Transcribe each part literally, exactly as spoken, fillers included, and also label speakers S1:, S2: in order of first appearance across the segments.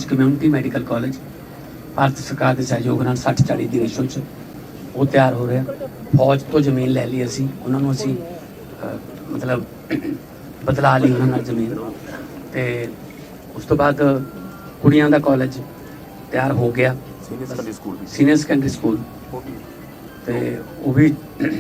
S1: Community medical college Bharat सरकार के सहयोग नाल सठ चाली की रेशो च वो तैयार हो रहा। फौज तो जमीन लै ली असी, उन्होंने असी मतलब बदला ली उन्होंने जमीन, तो उस तो बाद कुड़ियां दा कॉलेज तैयार हो गया, सीनियर सैकेंडरी स्कूल, तो वो भी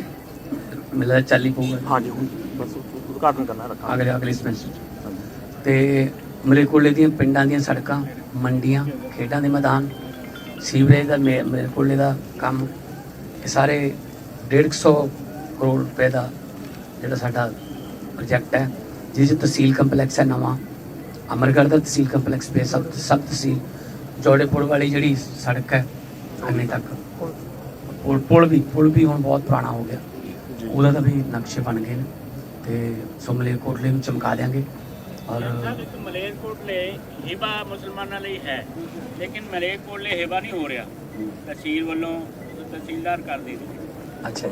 S1: मतलब चल ही पऊगा।
S2: हाँ जी, बस उद्घाटन करना रखा
S1: अगले अगले सेमेस्टर। तो मलेरकोले दी पिंडां दी सड़कां, मंडियां, खेडां दे मैदान, सीवरेज का मलेरकोले का काम, ये सारे डेढ़ सौ करोड़ रुपए का जोड़ा साडा प्रोजैक्ट है, जिस तहसील कंपलैक्स है नवा अमरगढ़ का तहसील कंपलैक्स पे सब सब तहसील जोड़ेपुर वाली जी सड़क है अन्ने तक, पुल पुल भी पुल भी हुण बहुत पुराना हो गया, ਉਹਦਾ ਤਾਂ ਵੀ ਨਕਸ਼ੇ ਬਣ ਗਏ ਨੇ। ਤੇ ਸੋ ਮਲੇਰਕੋਟਲੇ ਨੂੰ ਚਮਕਾ ਦਿਆਂਗੇ। ਔਰ
S3: ਮਲੇਰਕੋਟਲੇ ਹਿਬਾ ਮੁਸਲਮਾਨਾਂ ਲਈ ਹੈ, ਲੇਕਿਨ ਮਲੇਰਕੋਟਲੇ ਹਿਬਾ ਨਹੀਂ ਹੋ ਰਿਹਾ, ਤਹਿਸੀਲ ਵੱਲੋਂ ਤਹਿਸੀਲਦਾਰ ਕਰ ਦੇ
S1: ਅੱਛਾ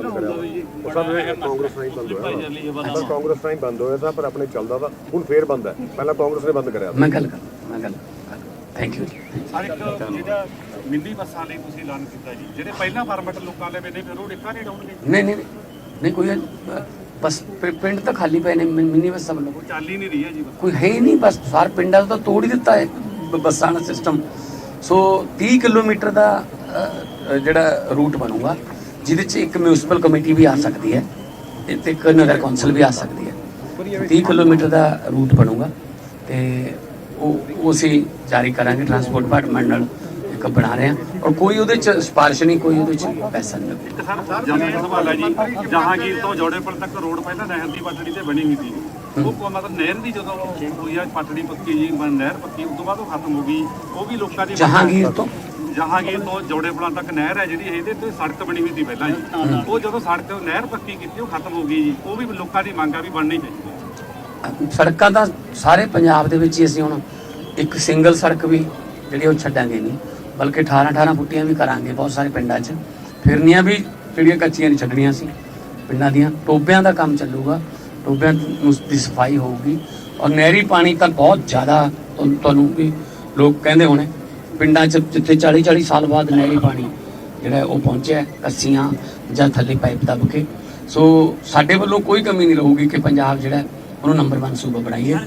S4: ਕਾਂਗਰਸ ਨਹੀਂ ਬੰਦ ਹੋਇਆ, ਕਾਂਗਰਸ ਨਹੀਂ ਬੰਦ ਹੋਇਆ ਤਾਂ ਪਰ ਆਪਣੇ ਚੱਲਦਾ ਤਾਂ ਹੁਣ ਫੇਰ ਬੰਦ ਹੈ, ਪਹਿਲਾਂ ਕਾਂਗਰਸ ਨੇ ਬੰਦ ਕਰਿਆ।
S1: ਮੈਂ ਗੱਲ ਕਰ ਮੈਂ ਗੱਲ ਥੈਂਕ ਯੂ।
S2: ਜਿਹੜਾ ਮਿੰਨੀ ਬੱਸਾਂ ਲਈ ਤੁਸੀਂ ਐਲਾਨ ਕੀਤਾ ਜੀ, ਜਿਹੜੇ ਪਹਿਲਾਂ ਫਾਰਮੈਟ ਲੋਕਾਂ ਲੈ ਨੇ ਫਿਰ ਉਹ ਡਿੱਕਾ ਨਹੀਂ ਡਾਉਣਗੇ?
S1: ਨਹੀਂ ਨਹੀਂ ਨਹੀਂ ਕੋਈ ਬਸ ਪਿੰਡ ਤਾਂ ਖਾਲੀ ਪਏ ਨੇ ਮਿੰਨੀ ਬੱਸਾਂ ਵੱਲੋਂ,
S2: ਕੋਈ ਚੱਲ ਹੀ ਨਹੀਂ ਰਹੀ ਹੈ ਜੀ,
S1: ਕੋਈ ਹੈ ਹੀ ਨਹੀਂ। ਬਸ ਸਾਰ ਪਿੰਡਾਂ ਦਾ ਤਾਂ ਤੋੜ ਹੀ ਦਿੱਤਾ ਹੈ ਬੱਸਾਂ ਦਾ ਸਿਸਟਮ। ਸੋ ਤੀਹ ਕਿਲੋਮੀਟਰ ਦਾ ਜਿਹੜਾ ਰੂਟ ਬਣੂਗਾ, ਜਿਹਦੇ 'ਚ ਇੱਕ ਮਿਊਨਿਸਪਲ ਕਮੇਟੀ ਵੀ ਆ ਸਕਦੀ ਹੈ ਤੇ ਇੱਕ ਨਗਰ ਕੌਂਸਲ ਵੀ ਆ ਸਕਦੀ ਹੈ। ਤੀਹ ਕਿਲੋਮੀਟਰ ਦਾ ਰੂਟ ਬਣੂਗਾ ਤੇ ਉਹ ਅਸੀਂ ਜਾਰੀ ਕਰਾਂਗੇ, ਟਰਾਂਸਪੋਰਟ ਡਿਪਾਰਟਮੈਂਟ ਨਾਲ ਇੱਕ ਬਣਾ ਰਹੇ ਹਾਂ, ਔਰ ਕੋਈ ਉਹਦੇ 'ਚ ਸਿਫਾਰਿਸ਼ ਨਹੀਂ, ਕੋਈ ਉਹਦੇ 'ਚ ਪੈਸਾ ਨਹੀਂ ਲੱਗਦਾ।
S2: ਇੱਕ ਸਰ ਜਮੀਨ ਸਵਾਲ ਹੈ ਜੀ, ਜਹਾਂਗੀਰ ਤੋਂ ਜੋੜੇਪੁਰ ਤੱਕ ਰੋਡ ਪਹਿਲਾਂ ਨਹਿਰ ਦੀ ਪਟੜੀ ਤੇ ਬਣੀ ਹੋਈ ਸੀ, ਉਹ ਮਤਲਬ ਨਹਿਰ ਦੀ ਜਦੋਂ ਹੋਈ ਆ ਪਟੜੀ ਪੱਕੀ ਜੀ, ਨਹਿਰ ਪੱਕੀ, ਉਸ ਤੋਂ ਬਾਅਦ ਉਹ ਖਤਮ ਹੋ ਗਈ, ਉਹ ਵੀ ਲੋਕਾਂ ਦੀ
S1: ਜਹਾਂਗੀਰ ਤੋਂ
S2: ਜਹਾਂਗੀਰ ਤੋਂ ਜੋੜੇਪੁਰਾਂ ਤੱਕ ਨਹਿਰ ਹੈ ਜਿਹੜੀ, ਇਹਦੇ ਤੇ ਸੜਕ ਬਣੀ ਹੋਈ ਸੀ ਪਹਿਲਾਂ ਜੀ, ਉਹ ਜਦੋਂ ਸੜਕ ਨਹਿਰ ਪੱਕੀ ਕੀਤੀ ਉਹ ਖਤਮ ਹੋ ਗਈ ਜੀ, ਉਹ ਵੀ ਲੋਕਾਂ ਦੀ ਮੰਗ ਆ ਵੀ ਬਣਨੀ ਚਾਹੀਦੀ।
S1: ਸੜਕਾਂ ਤਾਂ ਸਾਰੇ ਪੰਜਾਬ ਦੇ ਵਿੱਚ ਹੀ ਅਸੀਂ ਹੁਣ ਇੱਕ ਸਿੰਗਲ ਸੜਕ ਵੀ ਜਿਹੜੀ ਉਹ ਛੱਡਾਂਗੇ ਨਹੀਂ, ਬਲਕਿ ਅਠਾਰਾਂ ਅਠਾਰਾਂ ਫੁੱਟੀਆਂ ਵੀ ਕਰਾਂਗੇ ਬਹੁਤ ਸਾਰੇ ਪਿੰਡਾਂ 'ਚ, ਫਿਰਨੀਆਂ ਵੀ ਜਿਹੜੀਆਂ ਕੱਚੀਆਂ ਨਹੀਂ ਛੱਡਣੀਆਂ ਸੀ ਪਿੰਡਾਂ ਦੀਆਂ। ਟੋਬਿਆਂ ਦਾ ਕੰਮ ਚੱਲੂਗਾ, ਟੋਬਿਆਂ ਦੀ ਸਫਾਈ ਹੋਊਗੀ, ਔਰ ਨਹਿਰੀ ਪਾਣੀ ਤਾਂ ਬਹੁਤ ਜ਼ਿਆਦਾ ਤੁਹਾਨੂੰ ਵੀ ਲੋਕ ਕਹਿੰਦੇ ਹੋਣੇ ਪਿੰਡਾਂ 'ਚ ਜਿੱਥੇ ਚਾਲੀ ਚਾਲੀ ਸਾਲ ਬਾਅਦ ਨਹਿਰੀ ਪਾਣੀ ਜਿਹੜਾ ਉਹ ਪਹੁੰਚਿਆ ਕੱਸੀਆਂ ਜਾਂ ਥੱਲੇ ਪਾਈਪ ਦੱਬ ਕੇ। ਸੋ ਸਾਡੇ ਵੱਲੋਂ ਕੋਈ ਕਮੀ ਨਹੀਂ ਰਹੂਗੀ ਕਿ ਪੰਜਾਬ ਜਿਹੜਾ ਉਹਨੂੰ ਨੰਬਰ ਵਨ ਸੂਬਾ ਬਣਾਈਏ।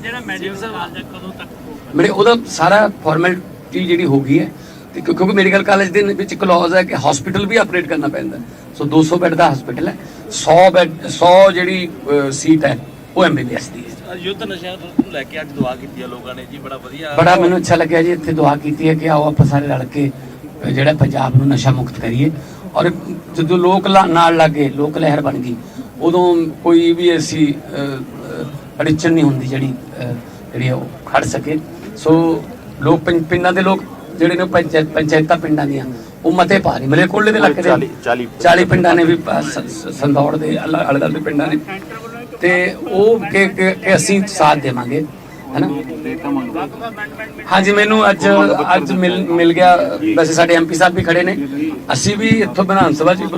S1: ਮੇਰੇ ਉਹਦਾ ਸਾਰਾ ਫਾਰਮੈਲਿਟੀ ਜਿਹੜੀ ਹੋ ਗਈ ਹੈ, ਤੇ ਕਿਉਂਕਿ ਮੈਡੀਕਲ ਕਾਲਜ ਦੇ ਵਿੱਚ ਕਲੌਜ਼ ਹੈ ਕਿ ਹਸਪੀਟਲ ਵੀ ਆਪਰੇਟ ਕਰਨਾ ਪੈਂਦਾ। ਸੋ ਦੋ ਸੌ ਬੈੱਡ ਦਾ ਹਸਪੀਟਲ ਹੈ, ਸੌ ਬੈੱਡ ਸੌ ਜਿਹੜੀ ਸੀਟ ਹੈ ਉਹ ਐਮ ਬੀ ਬੀ ਐਸ ਦੀ ਹੈ।
S5: ਯੁੱਧ ਨਸ਼ਿਆਂ ਨੂੰ ਲੈ ਕੇ ਅੱਜ ਦੁਆ ਕੀਤੀ ਹੈ ਲੋਕਾਂ ਨੇ ਜੀ, ਬੜਾ ਵਧੀਆ,
S1: ਬੜਾ ਮੈਨੂੰ ਅੱਛਾ ਲੱਗਿਆ ਜੀ। ਇੱਥੇ ਦੁਆ ਕੀਤੀ ਹੈ ਕਿ ਆਓ ਆਪਾਂ ਸਾਰੇ ਰਲ ਕੇ ਜਿਹੜਾ ਪੰਜਾਬ ਨੂੰ ਨਸ਼ਾ ਮੁਕਤ ਕਰੀਏ। ਔਰ ਜਦੋਂ ਲੋਕ ਨਾਲ ਲੱਗੇ, ਲੋਕ ਲਹਿਰ ਬਣ ਗਈ, ਉਦੋਂ ਕੋਈ ਵੀ ਐਸੀ ਅੜਚਨ ਨਹੀਂ ਹੁੰਦੀ ਜਿਹੜੀ ਜਿਹੜੀ ਉਹ ਖੜ ਸਕੇ। ਸੋ ਲੋਕ ਪਿੰਡਾਂ ਦੇ ਲੋਕ ਜਿਹੜੇ ਨੇ ਪੰਚਾਇਤਾਂ ਪਿੰਡਾਂ ਦੀਆਂ ਉਹ ਮਤੇ ਪਾ ਰਹੇ, ਮਲੇਰਕੋਟਲੇ ਦੇ ਇਲਾਕੇ ਦੇ ਚਾਲੀ ਪਿੰਡਾਂ ਨੇ ਵੀ, ਸੰਦੌੜ ਦੇ ਅਲੱਗ ਅਲੱਗ ਪਿੰਡਾਂ ਨੇ, ਤੇ ਉਹ ਕਿ ਅਸੀਂ ਸਾਥ ਦੇਵਾਂਗੇ, ਹੈ ਨਾ। ਹਾਂਜੀ, ਮੈਨੂੰ ਅੱਜ ਅੱਜ ਮਿਲ ਮਿਲ ਗਿਆ। ਵੈਸੇ ਸਾਡੇ ਐਮ ਪੀ ਸਾਹਿਬ ਵੀ ਖੜੇ ਨੇ, ਅਸੀਂ ਵੀ ਇੱਥੋਂ ਵਿਧਾਨ ਸਭਾ 'ਚ